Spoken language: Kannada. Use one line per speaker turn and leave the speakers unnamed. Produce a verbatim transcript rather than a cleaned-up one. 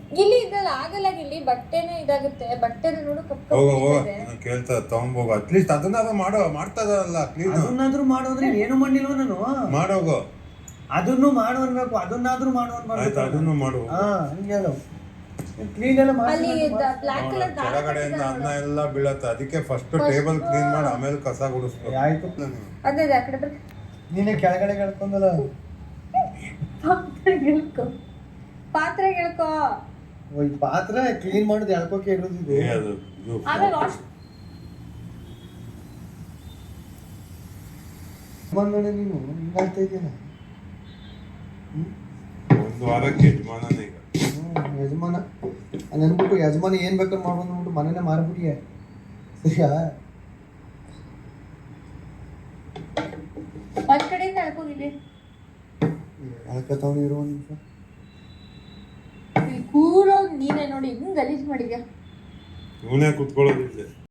ಇಲ್ಲಿ ಇದ್ರಲ್ಲಿ ಆಗಲ್ಲ ಇಲ್ಲಿ ಬಟ್ಟೆನೇ ಇದಾಗುತ್ತೆ ಬಟ್ಟೆನ ನೋಡು ಕಪ್ಪು
ಹೋಗ ಹೋಗ ಕೇಳ್ತಾ ತಗೊಂಬೋಗ ಅಟ್ಲೀಸ್ಟ್ ಅದನ್ನಾದ್ರೂ ಮಾಡೋ ಮಾಡ್ತದಲ್ಲ ಕ್ಲೀನ್
ಅದನ್ನಾದ್ರೂ ಮಾಡೋದ್ರೆ ಏನು ಮಾಡಿಲ್ವ ನಾನು
ಮಾಡೋಗು
ಅದನ್ನು ಮಾಡು ಅನ್ಬೇಕು ಅದನ್ನಾದ್ರೂ ಮಾಡು
ಆಯ್ತು ಅದನ್ನು ಮಾಡು
ಹಾ ಹಂಗೆ ಹೇಳು ಕ್ಲೀನ್ ಎಲ್ಲ
ಅಲ್ಲಿ ಬ್ಲಾಕ್ ಕಲರ್
ಕೆಳಗಡೆಯಿಂದ ಅನ್ನ ಎಲ್ಲ ಬೀಳತ್ತೆ ಅದಕ್ಕೆ ಫಸ್ಟ್ ಟೇಬಲ್ ಕ್ಲೀನ್ ಮಾಡಿ ಆಮೇಲೆ ಕಸ ಗುಡಿಸ್ಬೇಕು
ಆಯ್ತು
ಅದೇ ಆ ಕಡೆ ಬರ್
ನೀನೇ ಕೆಳಗಡೆ ಹೇಳ್ಕೊಂಡಲ್ಲ
ಪಾತ್ರೆ ಗೆಳ್ಕೊ ಪಾತ್ರೆ ಗೆಳ್ಕೊ
ಈ ಪಾತ್ರೆ ಕ್ಲೀನ್ ಮಾಡೋದು ಎಳ್ಕೋಕೆ ಇರೋದಿದೆ
ಅದು
ಆಮೇಲೆ ವಾಶ್
ಬಂದ್ರೆ ನೀನು ಹಿಂಗಾಗ್ತಾ ಇದೆಯಲ್ಲ
ಒಂದು ವಾರಕ್ಕೆ ಯಜಮಾನನೇ ಈಗ
ಯಜಮಾನ ನೆನ್ಬಿಟ್ಟು ಯಜಮಾನ ಏನ್ ಬೇಕಾದ್ರೆ ಮಾಡ್ಬೋದು ಅಂದ್ಬಿಟ್ಟು ಮನೇನೆ ಮಾರ್ಬಿಟ್ಟಿಯೇ ಸರಿಯಾ
ಒಂದ್ ಕಡೆಯಿಂದ ಎಳ್ಕೋಗಿಲ್ಲಿ
ಎಳ್ಕತಾವನು ಇರೋ ಒಂದು ನಿಮಿಷ
ಕೂರೋ ನೀನೇ ನೋಡಿ ಹಿಂಗ್ ಗಲೀಜ್ ಮಾಡಿದ್ಯಾ
ಇವನೇ ಕುತ್ಕೊಳ್ಳೋದಿಲ್ಲ